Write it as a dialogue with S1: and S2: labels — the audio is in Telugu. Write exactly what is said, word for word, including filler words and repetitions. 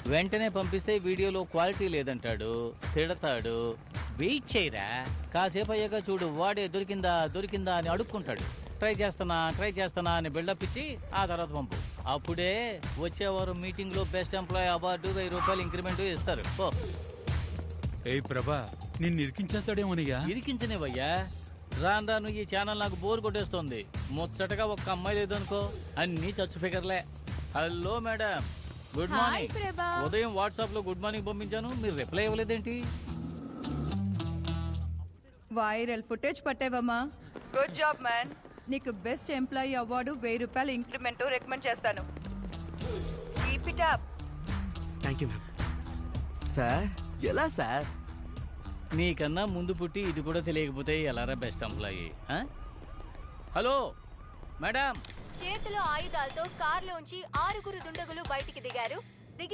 S1: వెంటనే పంపిస్తే వీడియోలో క్వాలిటీ లేదంటాడు, తిడతాడు. వెయిట్ చేయరా, కాసేపు అయ్యాక చూడు వాడే దొరికిందా దొరికిందా అని అడుక్కుంటాడు. ట్రై చేస్తానా ట్రై చేస్తానా అని బిల్డప్ ఇచ్చి ఆ తర్వాత పంపు. అప్పుడే వచ్చేవారు మీటింగ్ లో బెస్ట్ ఎంప్లాయీ అవార్డు వెయ్యి రూపాయలు ఇంక్రిమెంట్ ఇస్తారు. ఓ
S2: ఏ ప్రభా, నిన్ను ఇరికించేస్తాడేమోనయ్యా.
S1: ఇరికించనివయ్యా, రాను రాను ఈ ఛానల్ నాకు బోర్ కొట్టేస్తుంది. ముచ్చటగా ఒక్క అమ్మాయి లేదనుకో, అన్ని చచ్చు ఫిగర్లే. Hello madam, good morning. ఉదయం వాట్సాప్ లో గుడ్ మార్నింగ్ పంపించాను, మీరు రిప్లై ఇవ్వలేదేంటి?
S3: వైరల్ ఫుటేజ్ పట్టావమ్మా, గుడ్ జాబ్ మ్యాన్. నీకు బెస్ట్ ఎంప్లాయీ అవార్డు వెయ్యి రూపాయలు ఇంక్రిమెంట్ రికమెండ్ చేస్తాను. Keep it up.
S4: Thank you ma'am. Sir ఎలా సార్?
S1: నీకన్నా ముందు పుట్టి ఇది కూడా తెలియకపోతే ఎలారా బెస్ట్ ఎంప్లాయీ? Hello madam.
S5: చేతిలో ఆయుధాలతో కార్లోంచి ఆరుగురు దుండగులు బయటికి దిగారు.